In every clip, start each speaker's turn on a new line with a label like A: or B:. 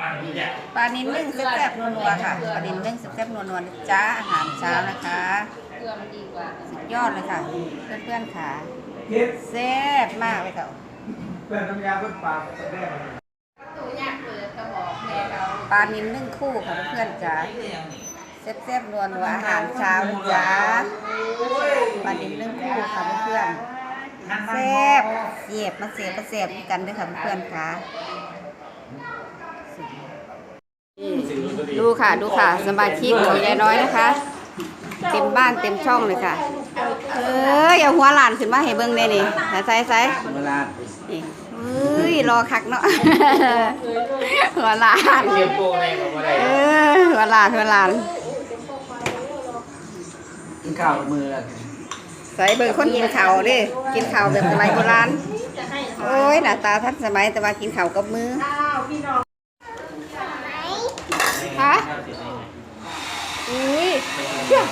A: ปลานิลนึ่งแซ่บๆนัวๆค่ะปลานิลนึ่งแซ่บๆนัวๆจ้าอาหารเช้านะคะสุดยอดเลยค่ะเพื่อนๆค่ะแซ่บมากเลยค่ะ
B: เพื่อนน้ำยาเพื่อนปากแดง
A: ปลานิลนึ่งคู่ค่ะเพื่อนๆจ้าแซ่บๆนัวๆอาหารเช้านะจ้าปลานิลนึ่งคู่ค่ะเพื่อนๆแซ่บเสียบมาเสียบมาเสียบกันด้วยค่ะเพื่อนๆค่ะดูค่ะดูค่ะสมาชิกของยายน้อยนะคะเต็มบ้านเต็มช่องเลยค่ะเอาหัวหลานขึ้นมาให้เบิ้งได้นี่ใส่นี่รอคักเนาะหัวหลานหัวหลาน
B: กินข้าวมือ
A: ใส่เบิ้งคนกินข้าวดิกินข้าวแบบสมัยโบราณโอ้ยหน้าตาทันสมัยแต่ว่ากินข้าวกับมือฮะอุ้ยเชื่อ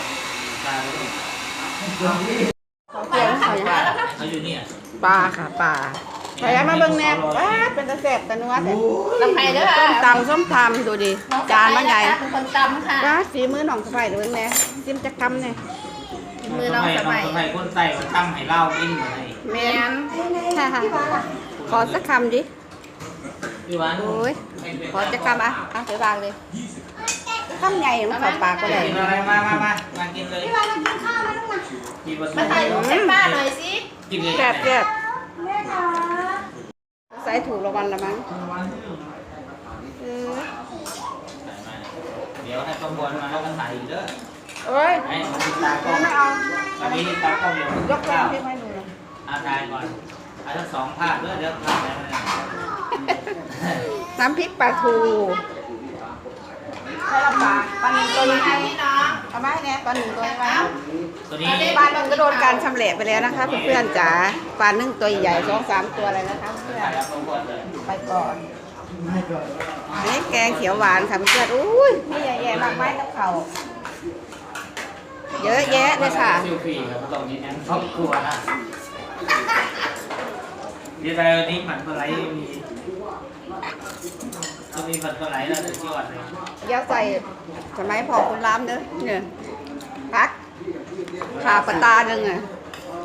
C: เขาอยู่นี่
A: ปลาค่ะปลาใส่มาเบิ้งแนบเป็นตะแสบตะนัวแต่
D: ลำไผ่เด้อ
A: ส้มตำดูดิจานมันใหญ่
D: เป็นคนตำค่ะ
A: ฝีมือน้องสบายดูแน่ซิมจักกำเนี่ย
D: มือน้องสบาย
C: คนใส่มาตั้งให้เล่ากินเหมือนไง
A: แม่นขอสักคำดิโอ้ยขอจักคำเสียบางเลยคำใหญ่มันเข้าปากก็ได้
C: มากินเลย
D: มาถ่ายรูปให้ป้าหน่อยสิ
C: กินเลย
A: แซ่บใส่ถูกรางวัลละมั้ง
C: เดี๋ยวให้ประมวลมาแล้วกันถ่ายอีกเด้อ
A: เอ้ย
C: ให้ตากล้อง
A: ไม่เอา
C: วันนี้ตากล้องเดี๋ยวย
A: กข้าวให้ดูนะ
C: ถ่ายก่อนทั้งสองภาพเดี๋ยวถ่ายแล้ว
A: น้ำพริกปลาทูใช่ละปลาหนึ่งตัวนี้เอาไหมเนี่ยปลาหนึ่งตัวนี้ไหม
C: ตัวนี้
A: ปลาหนึ่งก็โดนการชำแหละไปแล้วนะคะเพื่อนๆจ๋าปลาหนึ่งตัวใหญ่2-3ตัวอะไรนะคะเพื่อนไปก่อนนี่แกงเขียวหวานค่ะเพื่อนอุ้ยนี่ใหญ่แย่มากไม้กับเขาเยอะแยะเลยค่ะ
C: ซิลฟี่ครับตรงนี้แอนครอบครัวนะดีใจวันนี้ผัดปลาไหลมีผัดปลาไหลแล้วสุดยอดเลย
A: ย่าใส่สมัยพอคุณล้ำเด้อเนี่ยพักขาปลาตาหนึ่งอ่ะ